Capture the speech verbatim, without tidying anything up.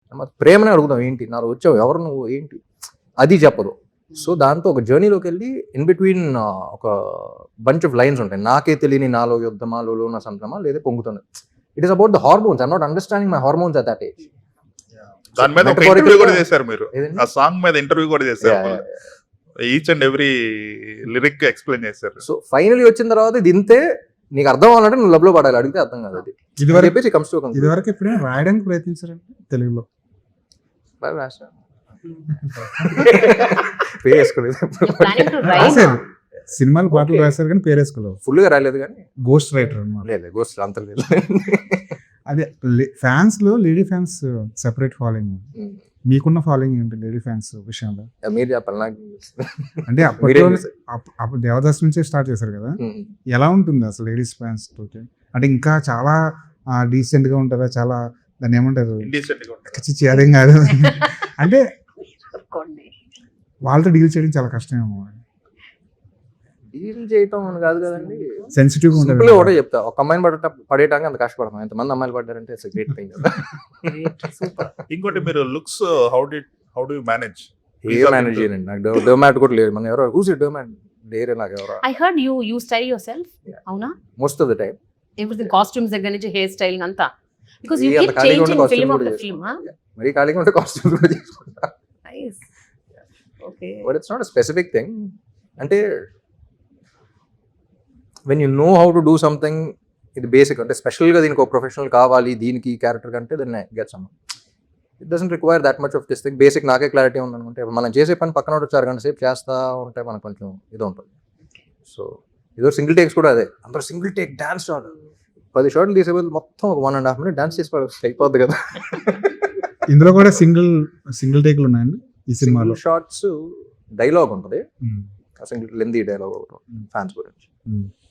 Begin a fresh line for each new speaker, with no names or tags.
ప్రేమనే అడుగుతాం, ఏంటి నాలో వచ్చావు, ఎవరు నువ్వు, ఏంటి, అది చెప్పదు. సో దాంతో ఒక జర్నీలోకి వెళ్ళి ఇన్ బిట్వీన్ ఒక బంచ్ ఆఫ్ లైన్స్ ఉంటాయి. నాకే తెలియని నాలో యుద్ధమా, లోలో నా సంతమా, లేదా పొంగుతుంది. It is about the hormones. I'm not understanding my hormones at that age.
దాని మీద ఒక ఇంటర్వ్యూ కూడా చేశారు మీరు, ఆ సాంగ్ మీద ఇంటర్వ్యూ కూడా చేశారు, each and every lyric explain చేశారు.
సో ఫైనలీ వచ్చిన తర్వాత ఇది ఇంతే, నీకు అర్థం అవ్వాలంటే నువ్వు లవ్ లో పడాలి, అడిగితే అర్థం కాదు. అది
ఇదివరకు
కమ్స్ టు
ఇదివరకు ఎప్పుడైనా రాయడానికి ప్రయత్నించారంటే తెలుగులో?
పేరు వేసుకోలేదు,
రాశారు, సినిమాలు పాటలు రాశారు కానీ పేరు వేసుకోలేదు.
ఫుల్ గా రాలేదు కానీ
గోస్ట్ రైటర్ అన్నమాట.
లేదు గోస్ట్ అంత లేదు.
అదే ఫ్యాన్స్ లో లేడీ ఫ్యాన్స్ సెపరేట్ ఫాలోయింగ్, మీకున్న ఫాలోయింగ్ ఏంటి లేడీ ఫ్యాన్స్ విషయంలో?
మీరు చెప్పాలి నాకు.
అంటే అప్పట్లో అప్పుడు దేవదాస్ నుంచే స్టార్ట్ చేశారు కదా, ఎలా ఉంటుంది అసలు లేడీస్ ఫ్యాన్స్ తోటి? అంటే ఇంకా చాలా డీసెంట్ గా ఉంటారా, చాలా దాన్ని ఏమంటారు, చిచ్చి అదేం కాదు అంటే వాళ్ళతో డీల్ చేయడం చాలా కష్టమేమో.
డీల్ చేయటం అని కాదు కదండి,
సెన్సిటివ్ గా
ఉంటుంది. ఒకటే చెప్తా, ఒక అమ్మాయిని పడట పడేయడానికి అంత కష్టపడతాం, ఎంతమంది అమ్మాయిలు పడ్డారంటే ఇట్స్ గ్రేట్ థింగ్.
ఇంకోటి మీరు looks, how do how do you manage?
ఏ మేనేజ్ చేయండి, నాకు డోమాట్ కూడా లేదు. మన ఎవరో హూస్ డోమాట్ లేరే నాకు ఎవరో.
I heard you you style your self, అవునా?
Most of the time
everything, costumes దగ్గర నుంచి హెయిర్ స్టైలింగ్ అంతా, బికాజ్ యు
ఏ అంత
కీప్
ఖాళీగా ఉంటే
చేంజింగ్
costume
ఫిల్మ్
కూడా
ఆఫ్టర్ ఫిల్మ్.
చేసుకుంటా. మరి ఖాళీగా ఉంటే కాస్ట్యూమ్స్ కూడా చేసుకుంటా.
Nice. Okay.
But it's not a specific thing. అంటే when you know how to do something, ఇది బేసిక్. అంటే స్పెషల్గా దీనికి ఒక ప్రొఫెషనల్ కావాలి దీనికి క్యారెక్టర్ కంటే, then I get some. It doesn't require that much of this thing. Basic నాకే క్లారిటీ ఉందనుకుంటే, మనం చేసే పని పక్కన వచ్చి అరగంట సేపు చేస్తూ ఉంటే మనకు కొంచెం ఇది ఉంటుంది. సో ఏదో సింగిల్ టేక్స్ కూడా అదే, అందరూ సింగిల్ టేక్ డాన్స్ షాట్, పది షాట్లు తీసే బదులు మొత్తం ఒక one and half minute dance చేసి అయిపోద్ది కదా.
ఇందులో కూడా సింగిల్ సింగిల్ టేక్లు ఉన్నాయండి ఈ సినిమాలో.
షార్ట్స్ డైలాగ్ ఉంటుంది, సింగిల్ లెందీ డైలాగ్ ఒకటి ఫ్యాన్స్ గురించి.